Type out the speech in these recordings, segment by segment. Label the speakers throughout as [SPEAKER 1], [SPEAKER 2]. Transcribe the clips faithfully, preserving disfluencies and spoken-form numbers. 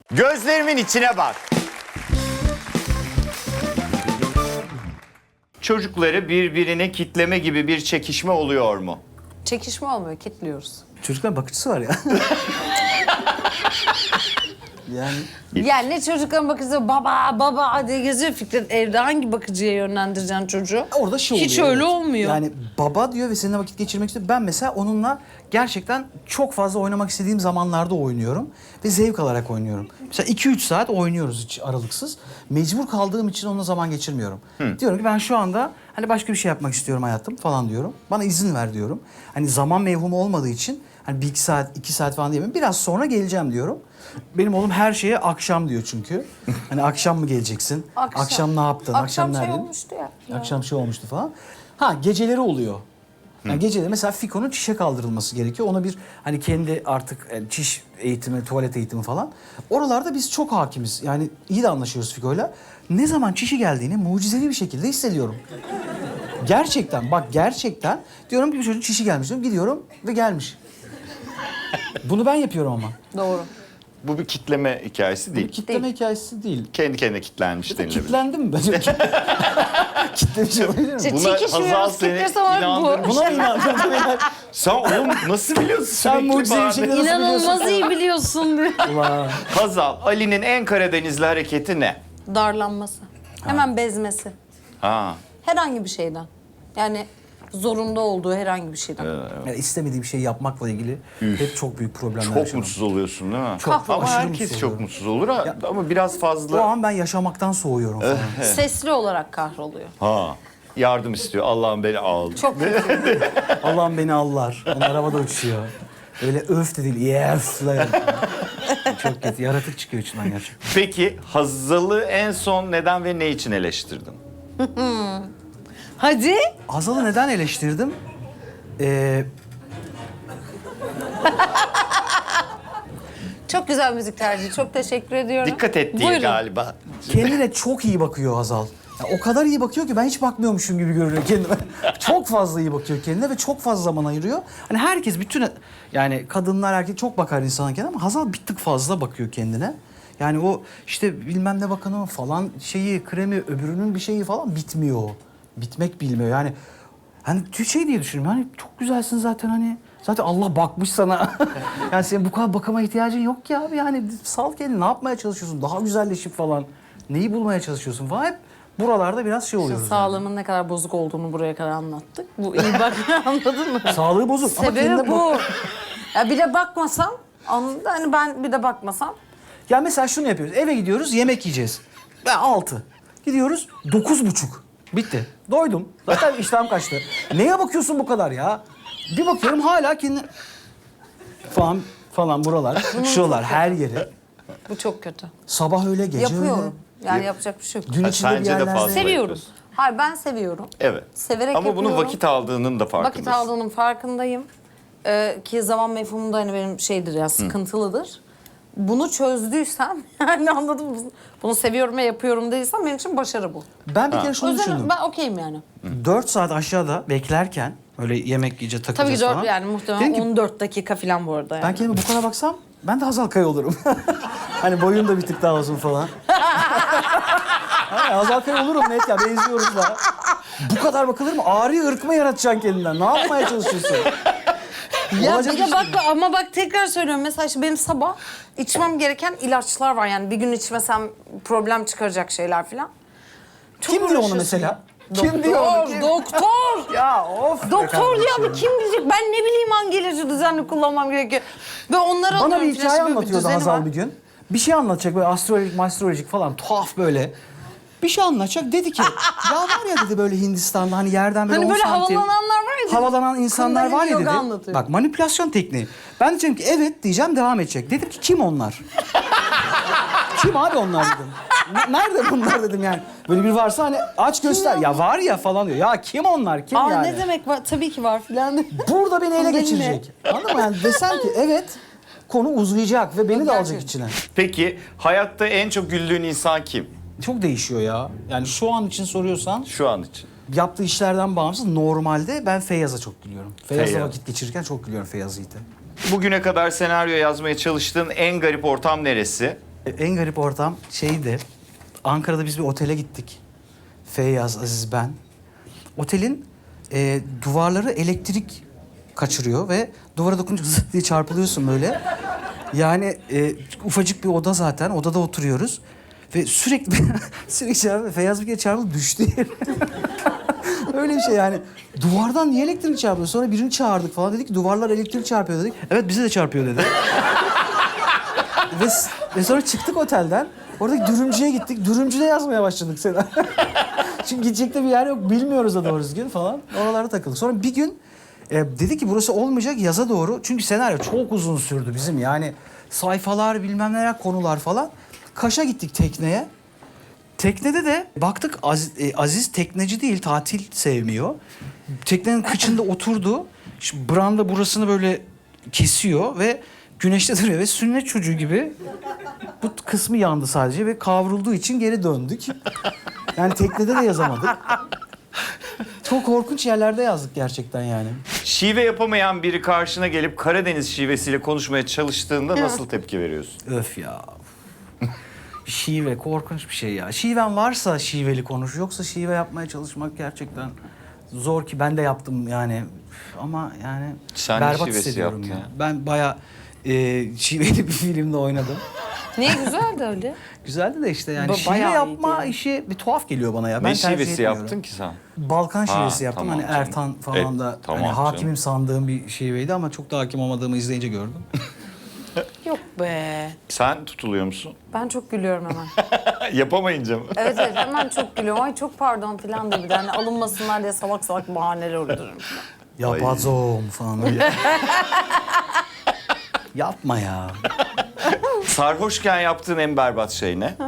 [SPEAKER 1] Gözlerimin içine bak. Çocukları birbirine kitleme gibi bir çekişme oluyor mu?
[SPEAKER 2] Çekişme olmuyor, kitliyoruz.
[SPEAKER 3] Çocukların bakıcısı var ya. Yani
[SPEAKER 2] Yani ne çocukların bakıcısı baba baba diye geziyor Fikret. Evde hangi bakıcıya yönlendireceksin çocuğu?
[SPEAKER 3] orada şey oluyor.
[SPEAKER 2] Hiç öyle
[SPEAKER 3] evet.
[SPEAKER 2] olmuyor.
[SPEAKER 3] Yani baba diyor ve seninle vakit geçirmek istiyor. Ben mesela onunla gerçekten çok fazla oynamak istediğim zamanlarda oynuyorum. Ve zevk alarak oynuyorum. Mesela iki üç saat oynuyoruz hiç aralıksız. Mecbur kaldığım için onunla zaman geçirmiyorum. Diyorum ki ben şu anda hani başka bir şey yapmak istiyorum hayatım falan diyorum. Bana izin ver diyorum. Hani zaman mevhumu olmadığı için hani bir iki saat, iki saat falan diyemem. Biraz sonra geleceğim diyorum. Benim oğlum her şeye akşam diyor çünkü. Hani akşam mı geleceksin?
[SPEAKER 2] Akşam.
[SPEAKER 3] Akşam ne yaptın?
[SPEAKER 2] Akşam şey
[SPEAKER 3] neredeydin?
[SPEAKER 2] olmuştu ya.
[SPEAKER 3] Akşam şey olmuştu falan. Ha geceleri oluyor. Yani geceleri mesela Fiko'nun çişe kaldırılması gerekiyor. Ona bir hani kendi artık yani çiş eğitimi, tuvalet eğitimi falan. Oralarda biz çok hakimiz. Yani iyi de anlaşıyoruz Fiko'yla. Ne zaman çişi geldiğini mucizevi bir şekilde hissediyorum. Gerçekten bak gerçekten diyorum ki bir çocuğun çişi gelmiş diyorum. Gidiyorum ve gelmiş. Bunu ben yapıyorum ama.
[SPEAKER 2] Doğru.
[SPEAKER 1] Bu bir kitleme hikayesi
[SPEAKER 3] Bu
[SPEAKER 1] değil.
[SPEAKER 3] kitleme
[SPEAKER 2] Değil.
[SPEAKER 3] hikayesi değil.
[SPEAKER 1] Kendi kendine kitlenmiş denilebilir.
[SPEAKER 3] Kitlendim mi? Ben kitlemiş olabilir mi?
[SPEAKER 2] İşte
[SPEAKER 1] Buna Hazal
[SPEAKER 2] çekişmiyoruz,
[SPEAKER 1] seni
[SPEAKER 2] kitlesi var bu.
[SPEAKER 1] inandırmış.
[SPEAKER 3] Buna inandım.
[SPEAKER 1] Sen oğlum nasıl biliyorsun?
[SPEAKER 3] Sen
[SPEAKER 1] sürekli
[SPEAKER 3] mucizevi
[SPEAKER 1] bahane-
[SPEAKER 3] şeyleri nasıl biliyorsun?
[SPEAKER 2] İnanılmaz iyi biliyorsun diyor.
[SPEAKER 3] Ulan.
[SPEAKER 1] Hazal, Ali'nin en Karadenizli hareketi ne?
[SPEAKER 2] Darlanması. Hemen bezmesi.
[SPEAKER 1] Ha.
[SPEAKER 2] Herhangi bir şeyden. Yani zorunda olduğu herhangi bir şeyden.
[SPEAKER 3] Yani istemediğim şeyi yapmakla ilgili hep çok büyük problemler
[SPEAKER 1] Çok
[SPEAKER 3] yaşadım.
[SPEAKER 1] mutsuz oluyorsun değil mi?
[SPEAKER 3] Çok,
[SPEAKER 1] Ama
[SPEAKER 3] aşırı
[SPEAKER 1] herkes
[SPEAKER 3] mutsuz
[SPEAKER 1] çok
[SPEAKER 3] oluyorum.
[SPEAKER 1] mutsuz olur ha,
[SPEAKER 3] Ya-
[SPEAKER 1] ama biraz
[SPEAKER 3] O
[SPEAKER 1] fazla.
[SPEAKER 3] an ben yaşamaktan soğuyorum falan.
[SPEAKER 2] Sesli olarak kahroluyor.
[SPEAKER 1] Ha. Yardım istiyor. Allah'ım beni al.
[SPEAKER 2] Çok kötü.
[SPEAKER 3] Allah'ım beni allar. Onlar havada uçuyor. Öyle öf de değil. Yes. Çok kötü. Yaratık çıkıyor içinden gerçekten.
[SPEAKER 1] Peki Hazal'ı en son neden ve ne için eleştirdin?
[SPEAKER 2] Hadi.
[SPEAKER 3] Hazal'ı neden eleştirdim? Ee,
[SPEAKER 2] Çok güzel müzik tercihi. Çok teşekkür ediyorum.
[SPEAKER 1] Dikkat ettiği
[SPEAKER 2] Buyurun.
[SPEAKER 1] galiba.
[SPEAKER 3] kendine çok iyi bakıyor Hazal. Ya o kadar iyi bakıyor ki ben hiç bakmıyormuşum gibi görünüyor kendime. Çok fazla iyi bakıyor kendine ve çok fazla zaman ayırıyor. Hani herkes bütün yani kadınlar erkek çok bakar insana kendine ama Hazal bir tık fazla bakıyor kendine. Yani o işte bilmem ne bakanı falan şeyi kremi öbürünün bir şeyi falan bitmiyor. Bitmek bilmiyor yani. Hani şey diye düşünüyorum hani çok güzelsin zaten hani. Zaten Allah bakmış sana. Yani senin bu kadar bakıma ihtiyacın yok ki abi. Yani sal kendini ne yapmaya çalışıyorsun? Daha güzelleşip falan. Neyi bulmaya çalışıyorsun falan. Hep buralarda biraz şey oluyoruz. yani.
[SPEAKER 2] Sağlığımın ne kadar bozuk olduğunu buraya kadar anlattık. Bu iyi bak anladın mı?
[SPEAKER 3] Sağlığı bozuk. Ama kendine
[SPEAKER 2] Sebebi
[SPEAKER 3] bak-
[SPEAKER 2] bu. Ya bir de bakmasam, anladın mı? Hani ben bir de bakmasam.
[SPEAKER 3] Ya mesela şunu yapıyoruz. Eve gidiyoruz yemek yiyeceğiz. Ben altı. Gidiyoruz dokuz buçuk. Bitti. Doydum. Zaten iştahım kaçtı. Neye bakıyorsun bu kadar ya? Bir bakıyorum hala kendi... Falan falan buralar, şuralar her yeri.
[SPEAKER 2] Bu çok kötü.
[SPEAKER 3] Sabah öyle gece
[SPEAKER 2] Yapıyorum.
[SPEAKER 3] öyle.
[SPEAKER 2] Yani yapacak bir şey yok.
[SPEAKER 3] Gün
[SPEAKER 1] Ha,
[SPEAKER 3] içinde bir
[SPEAKER 1] sence de
[SPEAKER 3] yerlerde...
[SPEAKER 1] fazla.
[SPEAKER 2] Seviyorum.
[SPEAKER 1] yapıyorsun.
[SPEAKER 2] Hayır ben seviyorum.
[SPEAKER 1] Evet.
[SPEAKER 2] Severek
[SPEAKER 1] Ama bunun
[SPEAKER 2] yapıyorum.
[SPEAKER 1] vakit aldığının da farkındasın.
[SPEAKER 2] Vakit aldığının farkındayım. Ee, ki zaman mefhumu da hani benim şeydir ya sıkıntılıdır. Bunu çözdüysem yani anladın mı? Bunu seviyorum ve yapıyorum değilsem benim için başarı bu.
[SPEAKER 3] Ben bir kere
[SPEAKER 2] O
[SPEAKER 3] şunu
[SPEAKER 2] yüzden
[SPEAKER 3] düşündüm.
[SPEAKER 2] ben okeyim yani.
[SPEAKER 3] Dört saat aşağıda beklerken öyle yemek yiyeceğiz
[SPEAKER 2] Tabii
[SPEAKER 3] takılacağız
[SPEAKER 2] ki dört
[SPEAKER 3] falan.
[SPEAKER 2] yani
[SPEAKER 3] Dedim
[SPEAKER 2] muhtemelen
[SPEAKER 3] ki,
[SPEAKER 2] on dört dakika falan bu arada yani.
[SPEAKER 3] ben kendime bu kadar baksam ben de Hazal Kaya olurum. Hani boyum da bir tık daha uzun falan. Ha, Hazal Kaya olurum net ya benziyoruz da. Bu kadar bakılır mı? Ağrı ırk mı yaratacaksın kendinden? Ne yapmaya çalışıyorsun?
[SPEAKER 2] Ya
[SPEAKER 3] Olacak
[SPEAKER 2] bir de
[SPEAKER 3] iş
[SPEAKER 2] bak
[SPEAKER 3] değil.
[SPEAKER 2] ama bak tekrar söylüyorum mesela işte benim sabah içmem gereken ilaçlar var yani bir gün içmesem problem çıkaracak şeyler falan. Çok
[SPEAKER 3] Kim diyor onu
[SPEAKER 2] uğraşıyorsun
[SPEAKER 3] mesela?
[SPEAKER 2] ya.
[SPEAKER 3] Kim diyor onu?
[SPEAKER 2] Doktor,
[SPEAKER 3] Kim?
[SPEAKER 2] doktor.
[SPEAKER 3] Ya of. be
[SPEAKER 2] Doktor diyor
[SPEAKER 3] kardeşim.
[SPEAKER 2] ama kim bilecek? Ben ne bileyim hangi ilacı düzenli kullanmam gerekiyor. Ve onları
[SPEAKER 3] Bana
[SPEAKER 2] alıyorum
[SPEAKER 3] bir
[SPEAKER 2] falan.
[SPEAKER 3] hikaye
[SPEAKER 2] Şimdi bir
[SPEAKER 3] anlatıyordu
[SPEAKER 2] düzeni
[SPEAKER 3] Hazal
[SPEAKER 2] var.
[SPEAKER 3] bir gün. Bir şey anlatacak böyle astrolojik, mastrolojik falan tuhaf böyle. Bir şey anlatacak. Dedi ki ya var ya dedi böyle Hindistan'da hani yerden böyle
[SPEAKER 2] Hani
[SPEAKER 3] on
[SPEAKER 2] böyle
[SPEAKER 3] santim.
[SPEAKER 2] havalananlar var ya.
[SPEAKER 3] Havalanan insanlar
[SPEAKER 2] Kundalini
[SPEAKER 3] var ya
[SPEAKER 2] yoga
[SPEAKER 3] dedi.
[SPEAKER 2] anlatıyor.
[SPEAKER 3] Bak manipülasyon tekniği. Ben diyeceğim ki evet diyeceğim devam edecek. Dedim ki kim onlar? Kim abi onlar dedim. N- Nerede bunlar dedim yani. Böyle bir varsa hani aç göster. Ya var ya falan diyor. Ya kim onlar? Kim
[SPEAKER 2] Aa
[SPEAKER 3] yani?
[SPEAKER 2] ne demek var? Tabii ki var filan.
[SPEAKER 3] Burada beni ele
[SPEAKER 2] Kundalini.
[SPEAKER 3] geçirecek. Anladın mı? Yani desem ki evet konu uzayacak ve beni de alacak
[SPEAKER 2] Gerçekten.
[SPEAKER 3] içine.
[SPEAKER 1] Peki hayatta en çok güldüğün insan kim?
[SPEAKER 3] Çok değişiyor ya. Yani şu an için soruyorsan
[SPEAKER 1] Şu an için.
[SPEAKER 3] yaptığı işlerden bağımsız normalde ben Feyyaz'a çok gülüyorum. Feyyaz'la
[SPEAKER 1] Feyyaz.
[SPEAKER 3] vakit geçirirken çok gülüyorum Feyyaz Yiğit'e.
[SPEAKER 1] Bugüne kadar senaryo yazmaya çalıştığın en garip ortam neresi?
[SPEAKER 3] En garip ortam şeydi. Ankara'da biz bir otele gittik. Feyyaz, Aziz, ben. Otelin e, duvarları elektrik kaçırıyor ve duvara dokununca zıt diye çarpılıyorsun böyle. Yani e, ufacık bir oda zaten. Odada oturuyoruz. Ve sürekli sürekli çarpıyor. Feyyaz bir kere çarpıldı düştü yere. Öyle bir şey yani. Duvardan niye elektrik çarpıyor? Sonra birini çağırdık falan. Dedik ki duvarlar elektrik çarpıyor dedik. Evet bize de çarpıyor dedi. ve, ve sonra çıktık otelden. Oradaki dürümcüye gittik. Dürümcüde yazmaya başladık Sena. Çünkü gidecek de bir yer yok. Bilmiyoruz da doğru düzgün falan. Oralara takıldık. Sonra bir gün e, dedi ki burası olmayacak yaza doğru. Çünkü senaryo çok uzun sürdü bizim. Yani sayfalar bilmem neler konular falan. Kaş'a gittik tekneye. Teknede de baktık Aziz, e, Aziz tekneci değil, tatil sevmiyor. Teknenin kıçında oturdu. Şu branda burasını böyle kesiyor ve güneşte duruyor ve sünnet çocuğu gibi bu kısmı yandı sadece ve kavrulduğu için geri döndük. Yani teknede de yazamadık. Çok korkunç yerlerde yazdık gerçekten yani.
[SPEAKER 1] Şive yapamayan biri karşına gelip Karadeniz şivesiyle konuşmaya çalıştığında nasıl tepki veriyorsun?
[SPEAKER 3] Öf ya. Şive korkunç bir şey ya. Şiven varsa şiveli konuş. Yoksa şive yapmaya çalışmak gerçekten zor ki ben de yaptım yani. Ama yani
[SPEAKER 1] Sen ne
[SPEAKER 3] berbat
[SPEAKER 1] şivesi
[SPEAKER 3] hissediyorum
[SPEAKER 1] yaptın
[SPEAKER 3] ya.
[SPEAKER 1] ya?
[SPEAKER 3] Ben bayağı e, şiveli bir filmde oynadım.
[SPEAKER 2] Niye güzeldi öyle?
[SPEAKER 3] Güzeldi de işte yani
[SPEAKER 2] Ba-
[SPEAKER 3] şive
[SPEAKER 2] bayağı
[SPEAKER 3] yapma
[SPEAKER 2] iyiydi.
[SPEAKER 3] işi bir tuhaf geliyor bana ya. Ben
[SPEAKER 1] Ne
[SPEAKER 3] tercih
[SPEAKER 1] şivesi
[SPEAKER 3] etmiyorum.
[SPEAKER 1] yaptın ki sen?
[SPEAKER 3] Balkan
[SPEAKER 1] Ha,
[SPEAKER 3] şivesi yaptım.
[SPEAKER 1] tamam
[SPEAKER 3] Hani
[SPEAKER 1] canım.
[SPEAKER 3] Ertan falan
[SPEAKER 1] E,
[SPEAKER 3] da
[SPEAKER 1] tamam
[SPEAKER 3] hani
[SPEAKER 1] canım.
[SPEAKER 3] hakimim sandığım bir şiveydi ama çok da hakim olmadığımı izleyince gördüm.
[SPEAKER 2] Yok be.
[SPEAKER 1] Sen tutuluyor musun?
[SPEAKER 2] Ben çok gülüyorum hemen.
[SPEAKER 1] Yapamayınca mı?
[SPEAKER 2] Evet evet hemen çok gülüyorum. Ay çok pardon falan diye bir de hani alınmasınlar diye salak salak bahaneler uydururum.
[SPEAKER 3] Yapazom falan öyle. Yapma ya.
[SPEAKER 1] Sarhoşken yaptığın en berbat şey ne?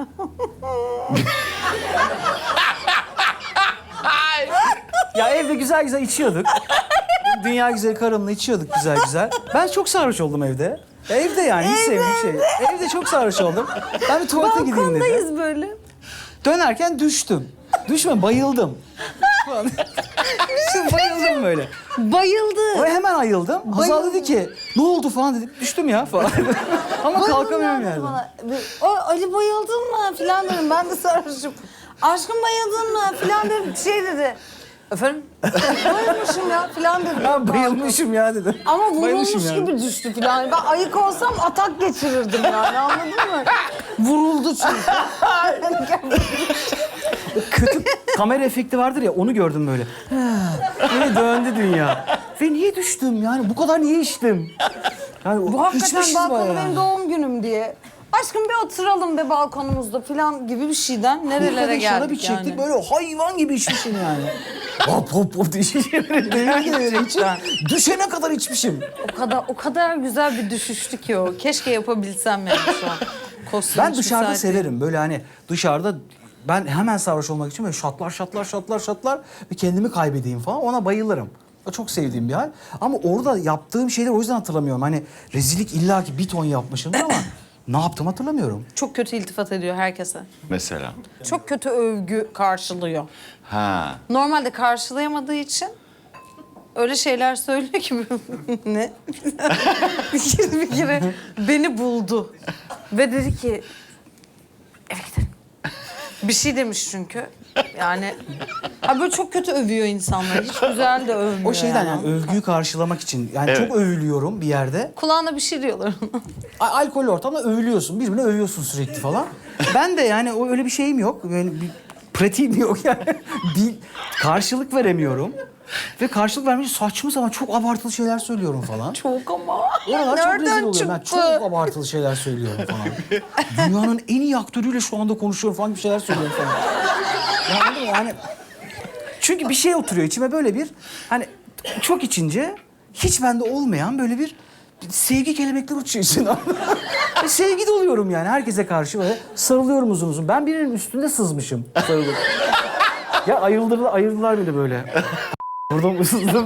[SPEAKER 3] Ya evde güzel güzel içiyorduk. Dünya güzeli karımla içiyorduk güzel güzel. Ben çok sarhoş oldum evde. Ya evde yani hiç sevdiğim şey. Evde çok sarhoş oldum. Ben bir tuvalete gideyim dedim.
[SPEAKER 2] Balkondayız böyle.
[SPEAKER 3] Dönerken düştüm. Düşme bayıldım. Falan. bayıldım böyle.
[SPEAKER 2] Bayıldı.
[SPEAKER 3] O hemen ayıldım. Hazal dedi ki ne oldu falan dedim. Düştüm ya falan. Ama kalkamıyorum yani.
[SPEAKER 2] Bana. O Ali bayıldın mı falan dedim. Ben de sarhoşum. Aşkım bayıldın mı falan dedim. Şey dedi. Efendim? Bayılmışım ya falan dedim.
[SPEAKER 3] Ben bayılmışım ya dedim.
[SPEAKER 2] Ama vurulmuş
[SPEAKER 3] Bayılmışım yani.
[SPEAKER 2] gibi düştü falan. Ben ayık olsam atak geçirirdim yani anladın mı? Vuruldu çünkü.
[SPEAKER 3] Kötü kamera efekti vardır ya onu gördüm böyle. Yine döndü dünya. Ve niye düştüm yani bu kadar niye içtim? Yani
[SPEAKER 2] Bu hakikaten
[SPEAKER 3] içmişiz
[SPEAKER 2] balkonu
[SPEAKER 3] bayağı.
[SPEAKER 2] benim doğum günüm diye. Aşkım bir oturalım be balkonumuzda falan gibi bir şeyden nerelere
[SPEAKER 3] Bir şarap
[SPEAKER 2] geldik
[SPEAKER 3] içecektik
[SPEAKER 2] yani.
[SPEAKER 3] böyle hayvan gibi içmişim yani. hop hop hop diye içmişim.
[SPEAKER 2] Gerçekten.
[SPEAKER 3] Düşene kadar içmişim.
[SPEAKER 2] O kadar o kadar güzel bir düşüştü ki o. Keşke yapabilsem yani şu an. Kostüm
[SPEAKER 3] Ben
[SPEAKER 2] hiç
[SPEAKER 3] dışarıda
[SPEAKER 2] müsait değil.
[SPEAKER 3] severim böyle hani dışarıda ben hemen sarhoş olmak için böyle şatlar şatlar şatlar şatlar ve kendimi kaybedeyim falan ona bayılırım. O çok sevdiğim bir hal. Ama orada yaptığım şeyleri o yüzden hatırlamıyorum. Hani rezillik illaki bir ton yapmışımdır ama ne yaptım hatırlamıyorum.
[SPEAKER 2] Çok kötü iltifat ediyor herkese.
[SPEAKER 1] Mesela.
[SPEAKER 2] Çok kötü övgü karşılıyor.
[SPEAKER 1] Ha.
[SPEAKER 2] Normalde karşılayamadığı için öyle şeyler söylüyor ki ne? bir kere bir kere beni buldu ve dedi ki eve gidelim. Bir şey demiş çünkü. Yani ha böyle çok kötü övüyor insanları. Hiç güzel de övmüyor.
[SPEAKER 3] O şeyden yani övgüyü karşılamak için yani
[SPEAKER 1] Evet.
[SPEAKER 3] çok övülüyorum bir yerde.
[SPEAKER 2] Kulağına bir şey diyorlar ona.
[SPEAKER 3] A- alkol ortamda övülüyorsun. Birbirine övüyorsun sürekli falan. Ben de yani o öyle bir şeyim yok. Böyle bir pratiğim yok yani. bir karşılık veremiyorum. Ve karşılık vermeyince saçma sapan çok abartılı şeyler söylüyorum falan.
[SPEAKER 2] Çok ama.
[SPEAKER 3] Oralar çok rezil
[SPEAKER 2] Nereden
[SPEAKER 3] oluyorum. Ben
[SPEAKER 2] çıktı?
[SPEAKER 3] çok abartılı şeyler söylüyorum falan. Dünyanın en iyi aktörüyle şu anda konuşuyorum falan bir şeyler söylüyorum falan. Ya anladın mı? Yani çünkü bir şey oturuyor içime böyle bir hani çok içince hiç bende olmayan böyle bir sevgi kelebekleri uçuyor içine. Ve sevgi doluyorum yani herkese karşı böyle sarılıyorum uzun uzun. Ben birinin üstünde sızmışım sarılıp. Ya ayıldılar, ayırdılar beni böyle. Buradan ısızdım.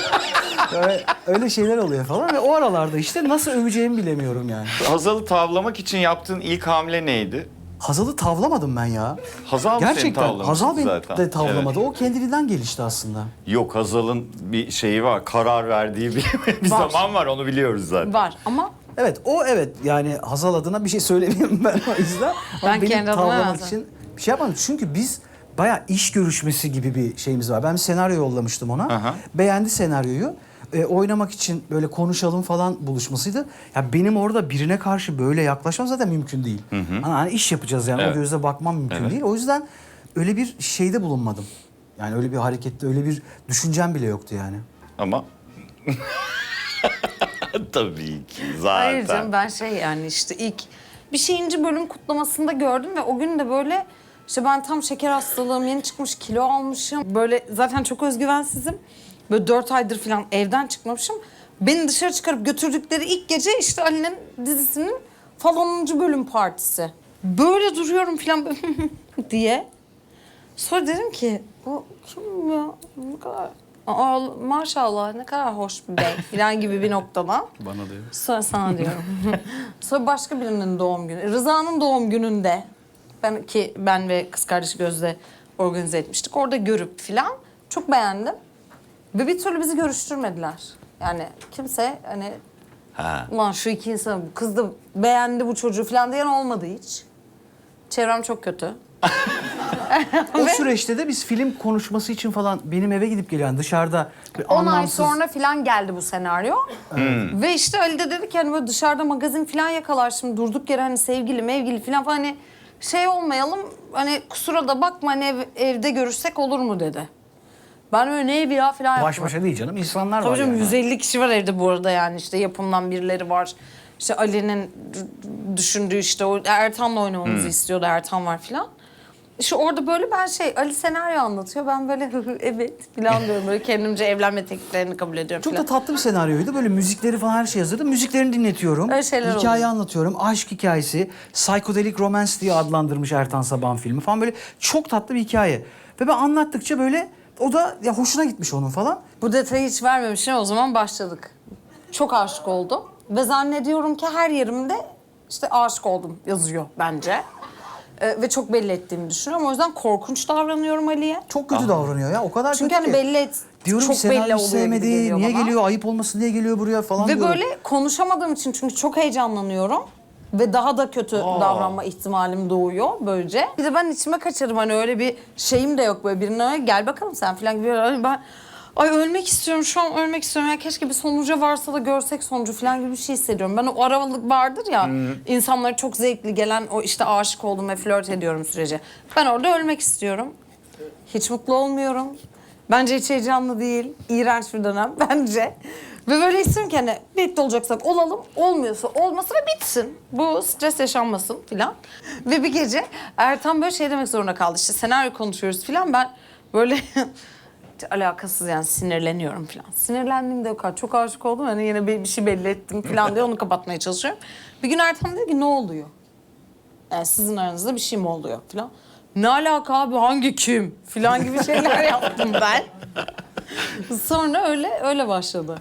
[SPEAKER 3] Yani öyle şeyler oluyor falan ve o aralarda işte nasıl öveceğimi bilemiyorum yani.
[SPEAKER 1] Hazal'ı tavlamak için yaptığın ilk hamle neydi?
[SPEAKER 3] Hazal'ı tavlamadım ben ya.
[SPEAKER 1] Hazal mı seni
[SPEAKER 3] Gerçekten
[SPEAKER 1] tavlamıştı
[SPEAKER 3] Hazal beni
[SPEAKER 1] zaten?
[SPEAKER 3] de tavlamadı. O kendiliğinden gelişti aslında.
[SPEAKER 1] Yok Hazal'ın bir şeyi var, karar verdiği bir, bir
[SPEAKER 2] Var.
[SPEAKER 1] zaman var onu biliyoruz zaten.
[SPEAKER 2] Var ama
[SPEAKER 3] Evet o evet yani Hazal adına bir şey söylemeyeyim ben o yüzden.
[SPEAKER 2] Ben
[SPEAKER 3] Ama beni
[SPEAKER 2] kendi adıma
[SPEAKER 3] tavlamak
[SPEAKER 2] yazdım.
[SPEAKER 3] için bir şey yapmadım. Çünkü biz bayağı iş görüşmesi gibi bir şeyimiz var. Ben bir senaryo yollamıştım ona.
[SPEAKER 1] Aha.
[SPEAKER 3] Beğendi senaryoyu. E, oynamak için böyle konuşalım falan buluşmasıydı. Ya benim orada birine karşı böyle yaklaşmam zaten mümkün değil. Hani, hani iş yapacağız yani
[SPEAKER 1] Evet.
[SPEAKER 3] o gözle bakmam mümkün
[SPEAKER 1] Evet.
[SPEAKER 3] değil. O yüzden öyle bir şeyde bulunmadım. Yani öyle bir harekette öyle bir düşüncem bile yoktu yani.
[SPEAKER 1] Ama tabii ki zaten.
[SPEAKER 2] Hayır canım ben şey yani işte ilk bir şeyinci bölüm kutlamasında gördüm ve o gün de böyle işte ben tam şeker hastalığım yeni çıkmış kilo almışım. Böyle zaten çok özgüvensizim. Böyle dört aydır falan evden çıkmamışım. Beni dışarı çıkarıp götürdükleri ilk gece işte Ali'nin dizisinin falanıncı bölüm partisi. Böyle duruyorum falan diye. Sonra dedim ki bu kim ya? Ne kadar... Aa, maşallah ne kadar hoş bir bey falan gibi bir noktada.
[SPEAKER 3] Bana da öyle.
[SPEAKER 2] Sonra sana diyorum. Sonra başka birinin doğum günü. Rıza'nın doğum gününde ben ki ben ve kız kardeşi Gözde organize etmiştik. Orada görüp filan çok beğendim. Ve bir türlü bizi görüştürmediler. Yani kimse hani
[SPEAKER 1] Ha.
[SPEAKER 2] ulan şu iki insan bu kız da beğendi bu çocuğu falan diyen olmadı hiç. Çevrem çok kötü.
[SPEAKER 3] O süreçte de biz film konuşması için falan benim eve gidip gelen dışarıda bir
[SPEAKER 2] on ay
[SPEAKER 3] anlamsız...
[SPEAKER 2] sonra falan geldi bu senaryo. Ve işte Ali de dedi ki hani böyle dışarıda magazin falan yakalar şimdi durduk yere hani sevgili mevgili falan falan hani şey olmayalım hani kusura da bakma hani ev- evde görüşsek olur mu dedi. Ben öyle ne evi ya falan
[SPEAKER 3] Baş
[SPEAKER 2] yaptım.
[SPEAKER 3] başa değil canım insanlar
[SPEAKER 2] Tabii
[SPEAKER 3] var
[SPEAKER 2] canım
[SPEAKER 3] yani.
[SPEAKER 2] yüz elli kişi var evde bu arada yani işte yapımdan birileri var. İşte Ali'nin d- düşündüğü işte o Ertan'la oynamamızı istiyordu Ertan var filan. İşte orada böyle ben şey Ali senaryo anlatıyor ben böyle evet filan diyorum böyle kendimce evlenme tekliflerini kabul ediyorum
[SPEAKER 3] Çok
[SPEAKER 2] filan.
[SPEAKER 3] da tatlı bir senaryoydu. Böyle müzikleri falan her şey hazırdı. Müziklerini dinletiyorum.
[SPEAKER 2] Öyle şeyler
[SPEAKER 3] Hikaye
[SPEAKER 2] oluyor.
[SPEAKER 3] anlatıyorum. Aşk hikayesi. Psychedelic Romance diye adlandırmış Ertan Saban filmi falan. Böyle çok tatlı bir hikaye. Ve ben anlattıkça böyle o da ya hoşuna gitmiş onun falan.
[SPEAKER 2] Bu detayı hiç vermemişim o zaman başladık. Çok aşık oldum ve zannediyorum ki her yerimde işte aşık oldum yazıyor bence. Ee, ve çok belli ettiğimi düşünüyorum. O yüzden korkunç davranıyorum Ali'ye.
[SPEAKER 3] Çok kötü davranıyor ya. O kadar
[SPEAKER 2] Çünkü
[SPEAKER 3] kötü
[SPEAKER 2] hani
[SPEAKER 3] ki.
[SPEAKER 2] belli et,
[SPEAKER 3] Diyorum
[SPEAKER 2] çok
[SPEAKER 3] ki
[SPEAKER 2] belli
[SPEAKER 3] senaryo
[SPEAKER 2] oluyor gibi
[SPEAKER 3] sevmedi.
[SPEAKER 2] geliyor
[SPEAKER 3] Niye
[SPEAKER 2] bana.
[SPEAKER 3] geliyor? Ayıp olmasın diye geliyor buraya falan
[SPEAKER 2] Ve
[SPEAKER 3] diyorum.
[SPEAKER 2] böyle konuşamadığım için çünkü çok heyecanlanıyorum. Ve daha da kötü davranma ihtimalim doğuyor böylece. Bir de ben içime kaçarım hani öyle bir şeyim de yok böyle birine gel bakalım sen falan gibi. Hani ben ay ölmek istiyorum şu an ölmek istiyorum. Ya keşke bir sonuca varsa da görsek sonucu falan gibi bir şey hissediyorum. Ben o aralık vardır ya insanlara çok zevkli gelen o işte aşık oldum ve flört ediyorum süreci. Ben orada ölmek istiyorum. Hiç mutlu olmuyorum. Bence hiç heyecanlı değil. İğrenç bir dönem bence. Ve böyle istiyorum ki hani birlikte olacaksak olalım, olmuyorsa olmasın ve bitsin. Bu stres yaşanmasın filan. Ve bir gece Ertan böyle şey demek zorunda kaldı. İşte senaryo konuşuyoruz filan. Ben böyle alakasız yani sinirleniyorum filan. Sinirlendiğimde o kadar çok aşık oldum. Hani yine bir, bir şey belli ettim filan diye onu kapatmaya çalışıyorum. Bir gün Ertan dedi ki ne oluyor? Yani sizin aranızda bir şey mi oluyor filan. Ne alaka abi hangi kim filan gibi şeyler yaptım ben. Sonra öyle öyle başladı.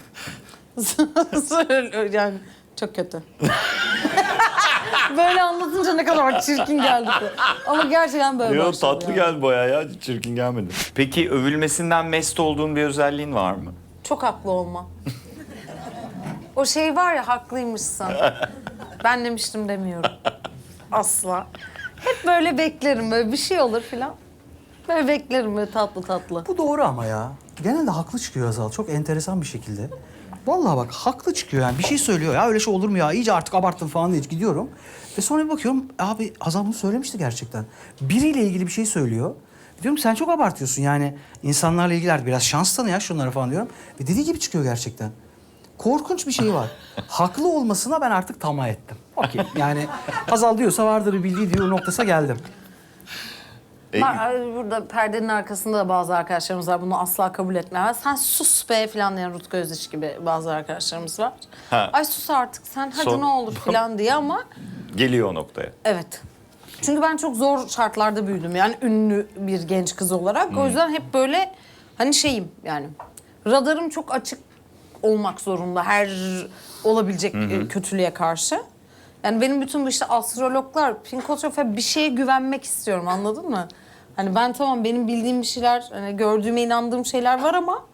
[SPEAKER 2] Sonra yani çok kötü. Böyle anlatınca ne kadar çirkin geldi. Ama gerçekten böyle
[SPEAKER 1] Yo,
[SPEAKER 2] başladı.
[SPEAKER 1] tatlı
[SPEAKER 2] yani.
[SPEAKER 1] geldi bayağı ya. Çirkin gelmedi. Peki övülmesinden mest olduğun bir özelliğin var mı?
[SPEAKER 2] Çok haklı olma. O şey var ya haklıymışsın. Ben demiştim demiyorum. Asla. Hep böyle beklerim böyle bir şey olur filan. Böyle beklerim böyle tatlı tatlı.
[SPEAKER 3] Bu doğru ama ya. Genelde haklı çıkıyor Azal. Çok enteresan bir şekilde. Vallahi bak haklı çıkıyor yani. Bir şey söylüyor ya öyle şey olur mu ya? İyice artık abarttın falan diye gidiyorum. Ve sonra bir bakıyorum abi Azal bunu söylemişti gerçekten. Biriyle ilgili bir şey söylüyor. Diyorum sen çok abartıyorsun yani. İnsanlarla ilgili biraz şans tanı ya şunlara falan diyorum. Ve dediği gibi çıkıyor gerçekten. Korkunç bir şey var. Haklı olmasına ben artık tamah ettim. Okey yani Hazal diyorsa vardır bir bildiği diyor noktası geldim.
[SPEAKER 1] E,
[SPEAKER 2] Ben, burada perdenin arkasında da bazı arkadaşlarımız var. Bunu asla kabul etmez. Sen sus be falan diyen Rutku Özdeş gibi bazı arkadaşlarımız var.
[SPEAKER 1] Ha.
[SPEAKER 2] Ay sus artık sen hadi
[SPEAKER 1] Son-
[SPEAKER 2] ne olur falan diye ama
[SPEAKER 1] Geliyor o noktaya.
[SPEAKER 2] evet. Çünkü ben çok zor şartlarda büyüdüm. Yani ünlü bir genç kız olarak. O yüzden hep böyle hani şeyim yani radarım çok açık olmak zorunda her olabilecek e, kötülüğe karşı. Yani benim bütün bu işte astrologlar, pinkotrofe bir şeye güvenmek istiyorum anladın mı? Hani ben tamam benim bildiğim bir şeyler, hani gördüğüme inandığım şeyler var ama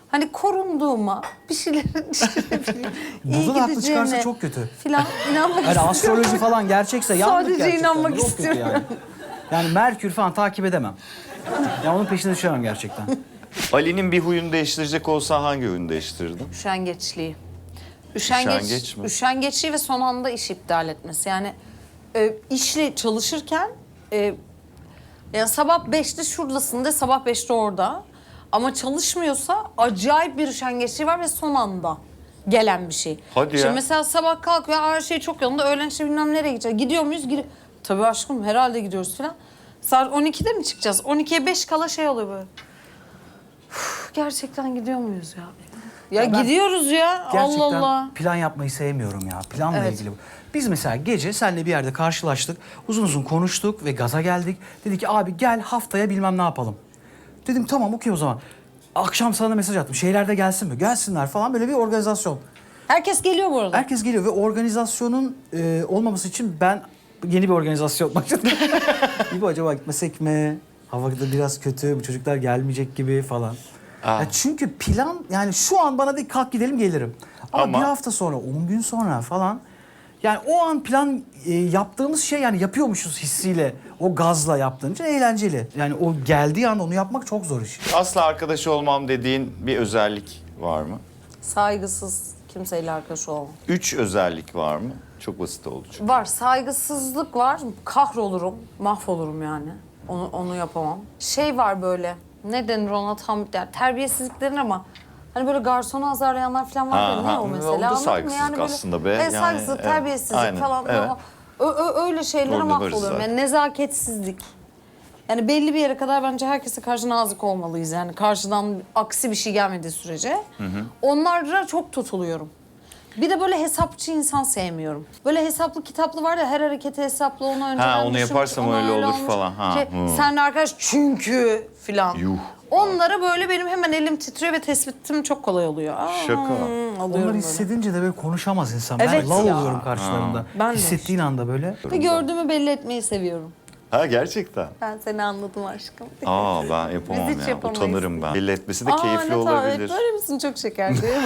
[SPEAKER 2] hani korunduğuma, bir şeylerin işte ne bileyim, iyi
[SPEAKER 3] Burada da haklı
[SPEAKER 2] gideceğine
[SPEAKER 3] çıkarsa çok kötü.
[SPEAKER 2] Filan inanmak
[SPEAKER 3] Yani
[SPEAKER 2] istiyorum.
[SPEAKER 3] astroloji falan gerçekse yandık
[SPEAKER 2] Sadece
[SPEAKER 3] gerçekten.
[SPEAKER 2] inanmak
[SPEAKER 3] Çok kötü
[SPEAKER 2] istiyorum.
[SPEAKER 3] Yani. yani Merkür falan takip edemem. Ya onun peşine düşemem gerçekten.
[SPEAKER 1] Ali'nin bir huyunu değiştirecek olsan hangi huyunu değiştirirdin?
[SPEAKER 2] Üşengeçliği. Üşengeç,
[SPEAKER 1] Üşengeç mi?
[SPEAKER 2] Üşengeçliği ve son anda iş iptal etmesi. Yani e, işle çalışırken e, yani sabah beşte şuradasın de sabah beşte orada. Ama çalışmıyorsa acayip bir üşengeçliği var ve son anda gelen bir şey.
[SPEAKER 1] Hadi
[SPEAKER 2] İşte
[SPEAKER 1] ya.
[SPEAKER 2] mesela sabah kalkıyor, her şey çok yolunda, öğlen işte bilmem nereye gideceğiz. Gidiyor muyuz? Gidi Tabii aşkım, herhalde gidiyoruz falan. Saat on ikide mi çıkacağız? on ikiye beş kala şey oluyor böyle. Uf, gerçekten gidiyor muyuz ya? Ya,
[SPEAKER 3] Ya ben
[SPEAKER 2] gidiyoruz ya.
[SPEAKER 3] Gerçekten
[SPEAKER 2] Allah Allah.
[SPEAKER 3] plan yapmayı sevmiyorum ya. Planla
[SPEAKER 2] Evet.
[SPEAKER 3] ilgili bu. Biz mesela gece seninle bir yerde karşılaştık. Uzun uzun konuştuk ve gaza geldik. Dedik ki abi gel haftaya bilmem ne yapalım. Dedim tamam okey o zaman. Akşam sana mesaj attım. Şeyler de gelsin mi? Gelsinler falan, böyle bir organizasyon.
[SPEAKER 2] Herkes geliyor bu arada.
[SPEAKER 3] Herkes geliyor ve organizasyonun e, olmaması için ben yeni bir organizasyon başladım. İbo acaba gitmesek mi? Havada biraz kötü, bu çocuklar gelmeyecek gibi falan.
[SPEAKER 1] Aa.
[SPEAKER 3] Ya çünkü plan, yani şu an bana de kalk gidelim gelirim. Ama,
[SPEAKER 1] Ama-
[SPEAKER 3] bir hafta sonra, on gün sonra falan, yani o an plan e, yaptığımız şey, yani yapıyormuşuz hissiyle, o gazla yaptığınca eğlenceli. Yani o geldiği an onu yapmak çok zor iş.
[SPEAKER 1] Asla arkadaş olmam dediğin bir özellik var mı?
[SPEAKER 2] Saygısız, kimseyle arkadaş olmam.
[SPEAKER 1] Üç özellik var mı? Çok basit oldu çünkü.
[SPEAKER 2] Var, saygısızlık var. Kahrolurum, mahvolurum yani. Onu onu yapamam. Şey var böyle, ne denir ona tam, yani terbiyesizlik denir ama hani böyle garsonu azarlayanlar falan var ya,
[SPEAKER 1] Ha,
[SPEAKER 2] ne
[SPEAKER 1] ha,
[SPEAKER 2] o
[SPEAKER 1] o da
[SPEAKER 2] mesela? anladın mı?
[SPEAKER 1] saygısızlık
[SPEAKER 2] böyle,
[SPEAKER 1] aslında be.
[SPEAKER 2] Evet,
[SPEAKER 1] Yani,
[SPEAKER 2] saygısızlık,
[SPEAKER 1] evet.
[SPEAKER 2] terbiyesizlik
[SPEAKER 1] Aynen,
[SPEAKER 2] falan.
[SPEAKER 1] evet.
[SPEAKER 2] Ö, ö, öyle şeylere
[SPEAKER 1] Orada varız
[SPEAKER 2] mahvoluyorum.
[SPEAKER 1] zaten.
[SPEAKER 2] Yani nezaketsizlik. Yani belli bir yere kadar bence herkese karşı nazik olmalıyız. Yani karşıdan aksi bir şey gelmediği sürece. Onlara çok tutuluyorum. Bir de böyle hesapçı insan sevmiyorum. Böyle hesaplı kitaplı var ya, her hareketi hesaplı, onu önceden
[SPEAKER 1] Ha, onu
[SPEAKER 2] düşünmüş,
[SPEAKER 1] yaparsam
[SPEAKER 2] ona
[SPEAKER 1] öyle olur
[SPEAKER 2] olmuş.
[SPEAKER 1] falan. Ha,
[SPEAKER 2] Şey,
[SPEAKER 1] hı.
[SPEAKER 2] senle arkadaş çünkü filan.
[SPEAKER 1] Yuh.
[SPEAKER 2] Onlara böyle benim hemen elim titriyor ve tespitim çok kolay oluyor. Aa,
[SPEAKER 1] Şaka.
[SPEAKER 2] alıyorum
[SPEAKER 3] Onları
[SPEAKER 2] böyle.
[SPEAKER 3] hissedince de böyle konuşamaz insan.
[SPEAKER 2] Evet
[SPEAKER 3] ben lal
[SPEAKER 2] ya.
[SPEAKER 3] oluyorum karşılarında.
[SPEAKER 2] Ben de.
[SPEAKER 3] Hissettiğin anda böyle.
[SPEAKER 2] Ve gördüğümü belli etmeyi seviyorum.
[SPEAKER 1] Ha, gerçekten.
[SPEAKER 2] Ben seni anladım aşkım.
[SPEAKER 1] Aa, ben yapamam
[SPEAKER 2] Biz hiç
[SPEAKER 1] ya.
[SPEAKER 2] yapamayız.
[SPEAKER 1] Utanırım ben. Belli etmesi de
[SPEAKER 2] Aa,
[SPEAKER 1] keyifli
[SPEAKER 2] ne
[SPEAKER 1] olabilir.
[SPEAKER 2] Evet, böyle misin? Çok şeker değil mi?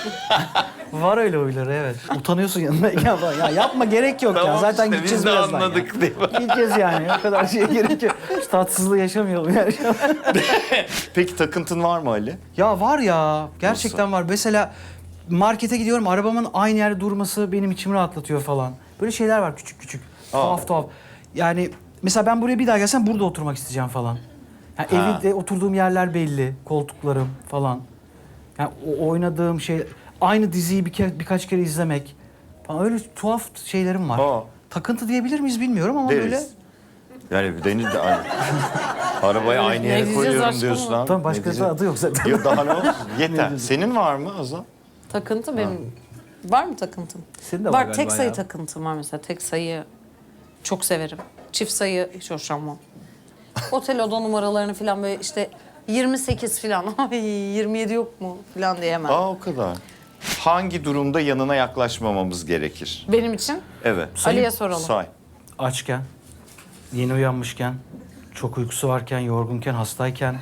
[SPEAKER 3] Var öyle huyları, evet. Utanıyorsun yanındayken falan. Ya yapma, gerek yok ya.
[SPEAKER 1] Tamam
[SPEAKER 3] Zaten
[SPEAKER 1] işte,
[SPEAKER 3] gideceğiz
[SPEAKER 1] biz de
[SPEAKER 3] birazdan
[SPEAKER 1] anladık
[SPEAKER 3] ya.
[SPEAKER 1] değil mi?
[SPEAKER 3] Gideceğiz yani. O kadar şeye gerek yok. Şu tatsızlığı yaşamayalım yani.
[SPEAKER 1] Peki takıntın var mı Ali?
[SPEAKER 3] Ya var ya. Gerçekten var. Mesela markete gidiyorum. Arabamın aynı yerde durması benim içimi rahatlatıyor falan. Böyle şeyler var küçük küçük. Tuhaf tuhaf. Yani mesela ben buraya bir daha gelsem burada oturmak isteyeceğim falan. Yani
[SPEAKER 1] Ha.
[SPEAKER 3] evde oturduğum yerler belli. Koltuklarım falan. Yani o oynadığım şey, aynı diziyi bir kere, birkaç kere izlemek falan, öyle tuhaf şeylerim var.
[SPEAKER 1] Aa.
[SPEAKER 3] Takıntı diyebilir miyiz bilmiyorum ama böyle.
[SPEAKER 1] Deriz. Yani deniz de aynı. Arabayı aynı
[SPEAKER 2] Ne
[SPEAKER 1] yere
[SPEAKER 2] diyeceğiz
[SPEAKER 1] koyuyorum
[SPEAKER 2] aşkım
[SPEAKER 1] diyorsun
[SPEAKER 2] ama?
[SPEAKER 1] lan.
[SPEAKER 3] Tamam,
[SPEAKER 1] Ne
[SPEAKER 3] başkası
[SPEAKER 1] diyeceğim?
[SPEAKER 3] adı yok zaten.
[SPEAKER 1] Yok, daha ne olsun? Yeter.
[SPEAKER 3] diyeceğim?
[SPEAKER 1] Senin var mı Azal?
[SPEAKER 2] Takıntı benim. Var mı takıntım?
[SPEAKER 3] Senin de var
[SPEAKER 2] var
[SPEAKER 3] galiba
[SPEAKER 2] tek sayı
[SPEAKER 3] ya.
[SPEAKER 2] takıntım var mesela. Tek sayı çok severim. Çift sayı hiç hoşlanmam. Otel oda numaralarını falan böyle işte yirmi sekiz falan. Ay yirmi yedi yok mu falan diyemem.
[SPEAKER 1] Aa, o kadar. Hangi durumda yanına yaklaşmamamız gerekir?
[SPEAKER 2] Benim için
[SPEAKER 1] Evet.
[SPEAKER 2] Ali'ye soralım.
[SPEAKER 1] Say.
[SPEAKER 3] Açken, yeni uyanmışken, çok uykusu varken, yorgunken, hastayken.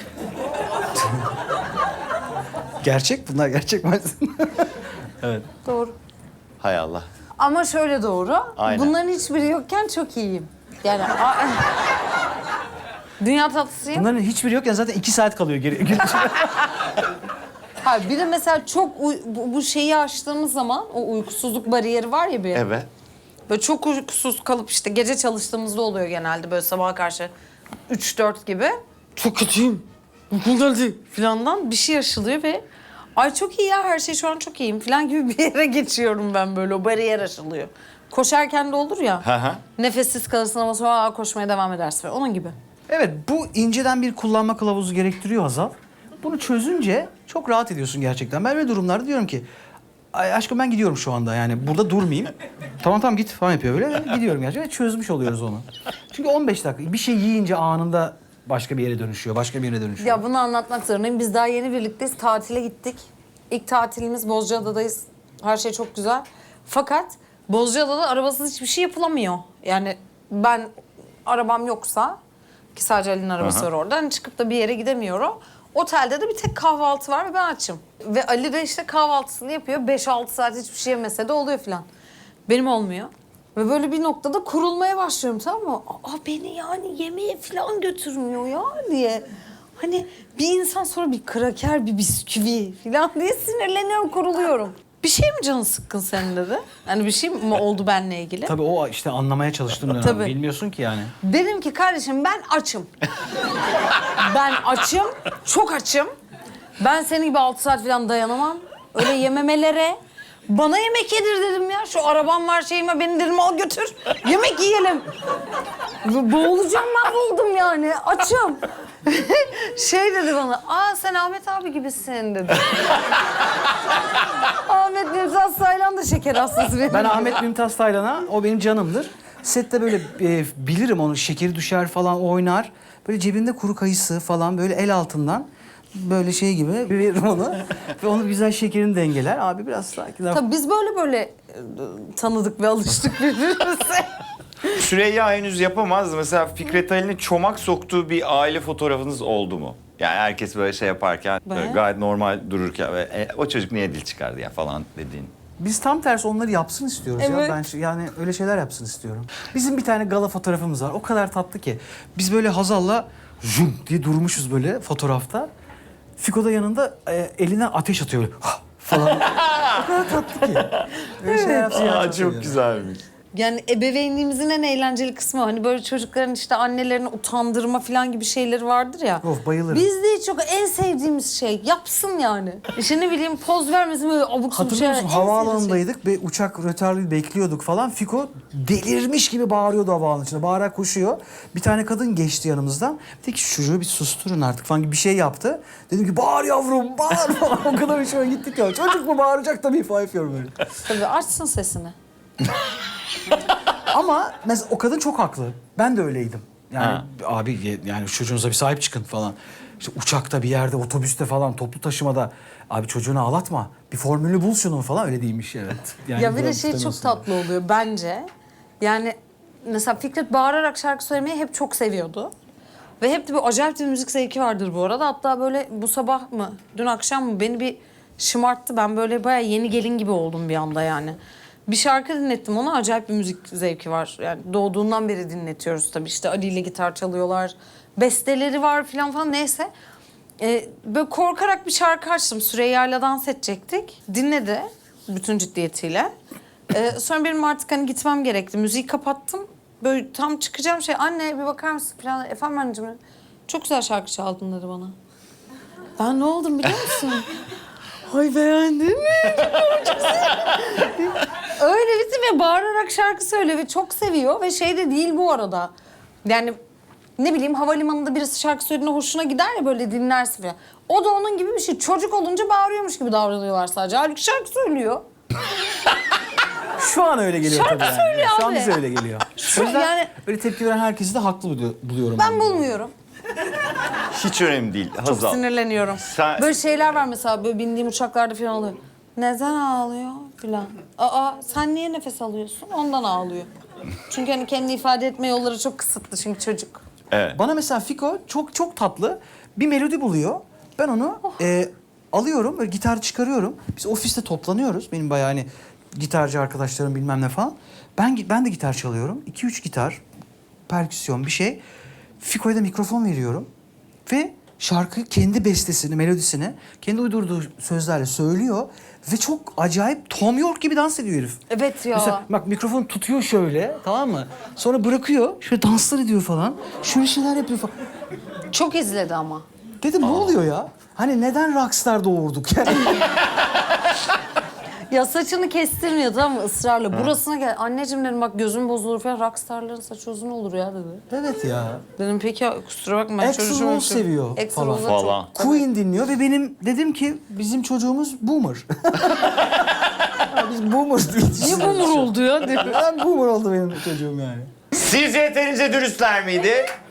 [SPEAKER 3] Gerçek bunlar, gerçek maalesef. Evet.
[SPEAKER 2] Doğru.
[SPEAKER 1] Hay Allah.
[SPEAKER 2] Ama şöyle doğru.
[SPEAKER 1] Aynen.
[SPEAKER 2] Bunların hiçbiri yokken çok iyiyim. Yani a- dünya tatlısıyım.
[SPEAKER 3] Bunların hiçbiri yokken zaten iki saat kalıyor geri. gün içinde.
[SPEAKER 2] Hayır, bir de mesela çok uy- bu, bu şeyi aştığımız zaman o uykusuzluk bariyeri var ya bir.
[SPEAKER 1] Evet.
[SPEAKER 2] Böyle çok uykusuz kalıp işte gece çalıştığımızda oluyor genelde böyle sabaha karşı üç dört gibi. Çok kötüyüm. Uykum geldi filandan bir şey aşılıyor ve ay çok iyi ya, her şey şu an çok iyiyim falan gibi bir yere geçiyorum ben, böyle o bariyer aşılıyor. Koşarken de olur ya.
[SPEAKER 1] Hı hı.
[SPEAKER 2] Nefessiz kalırsın ama sonra aa, koşmaya devam edersin falan. Onun gibi.
[SPEAKER 3] Evet, bu inceden bir kullanma kılavuzu gerektiriyor Hazal. Bunu çözünce çok rahat ediyorsun gerçekten. Ben böyle durumlarda diyorum ki, ay aşkım ben gidiyorum şu anda, yani burada durmayayım. tamam tamam git falan yapıyor böyle. Gidiyorum gerçekten ve çözmüş oluyoruz onu. Çünkü on beş dakika bir şey yiyince anında başka bir yere dönüşüyor, başka bir yere dönüşüyor.
[SPEAKER 2] Ya bunu anlatmak zorundayım. Biz daha yeni birlikteyiz. Tatile gittik. İlk tatilimiz Bozcaada'dayız. Her şey çok güzel. Fakat Bozcaada'da arabasız hiçbir şey yapılamıyor. Yani ben arabam yoksa, ki sadece Ali'nin arabası
[SPEAKER 1] Aha.
[SPEAKER 2] var orada, hani çıkıp da bir yere gidemiyorum. Otelde de bir tek kahvaltı var ve ben açım. Ve Ali de işte kahvaltısını yapıyor. beş altı saat hiçbir şey yemese de oluyor falan. Benim olmuyor. Ve böyle bir noktada kurulmaya başlıyorum, tamam mı? Aa, beni yani yemeğe falan götürmüyor ya diye. Hani bir insan sonra bir kraker, bir bisküvi falan diye sinirleniyorum, kuruluyorum. Bir şey mi canın sıkkın senin dedi? Hani bir şey mi oldu benimle ilgili?
[SPEAKER 3] Tabii o işte anlamaya çalıştığım dönem.
[SPEAKER 2] Tabii.
[SPEAKER 3] Bilmiyorsun ki yani.
[SPEAKER 2] Dedim ki kardeşim ben açım. Ben açım, çok açım. Ben senin gibi altı saat falan dayanamam. Öyle yememelere. Bana yemek yedir dedim ya. Şu arabam var, şeyim var, beni dedim al götür. Yemek yiyelim. Bo- Boğulacağım, mahvoldum yani. Açım. Şey dedi bana, aa sen Ahmet abi gibisin dedi. Ahmet Mümtaz Saylan da şeker hastası benim.
[SPEAKER 3] Ben Ahmet Mümtaz Taylan'a, o benim canımdır. Sette böyle e, bilirim onu, şekeri düşer falan, oynar. Böyle cebinde kuru kayısı falan böyle el altından böyle şey gibi veririm onu. Ve onu güzel şekerini dengeler. Abi biraz sakin.
[SPEAKER 2] Tabii biz böyle böyle e, tanıdık ve alıştık birbirimize.
[SPEAKER 1] Süreyya henüz yapamaz. Mesela Fikret Ali'nin çomak soktuğu bir aile fotoğrafınız oldu mu? Yani herkes böyle şey yaparken, böyle
[SPEAKER 2] Ben?
[SPEAKER 1] gayet normal dururken ve e, o çocuk niye dil çıkardı ya falan dediğin.
[SPEAKER 3] Biz tam tersi onları yapsın istiyoruz
[SPEAKER 2] Evet.
[SPEAKER 3] ya. Ben şu- yani öyle şeyler yapsın istiyorum. Bizim bir tane gala fotoğrafımız var. O kadar tatlı ki. Biz böyle Hazal'la jum diye durmuşuz böyle fotoğrafta. Fiko da yanında e, eline ateş atıyor böyle "Hah!" falan. O kadar tatlı ki. Öyle şeyler yapsın. ya,
[SPEAKER 1] Aa,
[SPEAKER 3] çok
[SPEAKER 1] çok
[SPEAKER 3] seviyorum.
[SPEAKER 1] güzelmiş.
[SPEAKER 2] Yani ebeveynliğimizin en eğlenceli kısmı hani böyle çocukların işte annelerini utandırma falan gibi şeyleri vardır ya.
[SPEAKER 3] Of, bayılırım.
[SPEAKER 2] Bizde hiç yok, en sevdiğimiz şey yapsın yani. İşte ne bileyim poz vermesin böyle abuk sabuk
[SPEAKER 3] Hatırlıyor
[SPEAKER 2] şeyler.
[SPEAKER 3] musun?
[SPEAKER 2] En sevdiğimiz
[SPEAKER 3] Havaalanındaydık ve uçak rötarlı bekliyorduk falan. Fiko delirmiş gibi bağırıyordu havaalanının içinde. Bağırarak koşuyor. Bir tane kadın geçti yanımızdan. Dedi ki şu çocuğu bir susturun artık falan gibi bir şey yaptı. Dedim ki bağır yavrum bağır falan. O kadar hoşuma gittik ya. Çocuk mu bağıracak tabii falan yapıyorum böyle.
[SPEAKER 2] şey. Tabii açsın sesini.
[SPEAKER 3] Ama mesela o kadın çok haklı. Ben de öyleydim. Yani
[SPEAKER 1] Ha.
[SPEAKER 3] abi ye- yani çocuğunuza bir sahip çıkın falan. İşte uçakta bir yerde, otobüste falan, toplu taşımada abi çocuğunu ağlatma. Bir formülü bul şunun falan, öyle değilmiş evet. Yani
[SPEAKER 2] Ya bir de
[SPEAKER 3] bırak
[SPEAKER 2] şey çok
[SPEAKER 3] istemiyorsun.
[SPEAKER 2] tatlı oluyor bence. Yani mesela Fikret bağırarak şarkı söylemeyi hep çok seviyordu. Ve hep de bir acayip bir müzik zevki vardır bu arada. Hatta böyle bu sabah mı, dün akşam mı beni bir şımarttı. Ben böyle bayağı yeni gelin gibi oldum bir anda yani. Bir şarkı dinlettim ona, acayip bir müzik zevki var. Yani doğduğundan beri dinletiyoruz tabii. İşte Ali ile gitar çalıyorlar, besteleri var falan falan neyse. Ee, böyle korkarak bir şarkı açtım. Süreyya'yla dans edecektik. Dinledi bütün ciddiyetiyle. Ee, sonra benim artık hani gitmem gerekti. Müziği kapattım. Böyle tam çıkacağım şey, anne bir bakar mısın falan. Efendim anneciğim, çok güzel şarkı çaldın dedi bana. Ben ne oldum biliyor musun? Ay beğendin mi? Çok sevindim. Öyle bitti ve bağırarak şarkı söylüyor ve çok seviyor ve şey de değil bu arada. Yani ne bileyim havalimanında birisi şarkı söylediğinde hoşuna gider ya, böyle dinlersin falan. O da onun gibi bir şey. Çocuk olunca bağırıyormuş gibi davranıyorlar sadece. Halbuki şarkı söylüyor.
[SPEAKER 3] Şu an öyle geliyor
[SPEAKER 2] Şarkı
[SPEAKER 3] tabii yani.
[SPEAKER 2] söylüyor
[SPEAKER 3] Şu an
[SPEAKER 2] abi.
[SPEAKER 3] bize öyle geliyor.
[SPEAKER 2] Şu-
[SPEAKER 3] O yüzden
[SPEAKER 2] yani-
[SPEAKER 3] öyle tepki veren herkesi de haklı bulu- buluyorum.
[SPEAKER 2] Ben bulmuyorum.
[SPEAKER 1] Hiç önemli değil.
[SPEAKER 2] Çok
[SPEAKER 1] Hazal.
[SPEAKER 2] sinirleniyorum.
[SPEAKER 1] Sen-
[SPEAKER 2] Böyle şeyler var mesela, böyle bindiğim uçaklarda falan oluyor. Neden ağlıyor falan. Aa sen niye nefes alıyorsun? Ondan ağlıyor. Çünkü hani kendi ifade etme yolları çok kısıtlı çünkü çocuk.
[SPEAKER 1] Evet.
[SPEAKER 3] Bana mesela Fiko çok çok tatlı bir melodi buluyor. Ben onu
[SPEAKER 2] Oh.
[SPEAKER 3] e, alıyorum, böyle gitar çıkarıyorum. Biz ofiste toplanıyoruz. Benim bayağı hani gitarcı arkadaşlarım bilmem ne falan. Ben ben de gitar çalıyorum. İki üç gitar, perküsyon bir şey. Fiko'ya da mikrofon veriyorum. Ve şarkı kendi bestesini, melodisini kendi uydurduğu sözlerle söylüyor. Ve çok acayip Tom York gibi dans ediyor herif.
[SPEAKER 2] Evet ya.
[SPEAKER 3] Mesela bak mikrofon tutuyor şöyle, tamam mı? Sonra bırakıyor, şöyle danslar ediyor falan. Şöyle şeyler yapıyor falan.
[SPEAKER 2] Çok izledi ama.
[SPEAKER 3] Dedim ne oluyor ya? Hani neden rockstar doğurduk yani?
[SPEAKER 2] Ya saçını kestirmiyor tamam mı ısrarla. Burasına gel. Anneciğim dedim bak gözüm bozulur falan. Rockstarların saçı uzun olur ya dedi.
[SPEAKER 3] Evet ya.
[SPEAKER 2] Dedim peki ya, kusura bakma ben
[SPEAKER 3] Axl
[SPEAKER 2] çocuğum.
[SPEAKER 3] Rose seviyor
[SPEAKER 2] Axl
[SPEAKER 3] falan.
[SPEAKER 2] Rose'a çok-
[SPEAKER 1] Falan.
[SPEAKER 3] Queen dinliyor ve benim dedim ki bizim çocuğumuz boomer. Ya biz boomer değiliz.
[SPEAKER 2] Niye boomer oldu ya?
[SPEAKER 3] Ben boomer oldu benim çocuğum yani.
[SPEAKER 1] Sizce yeterince dürüstler miydi?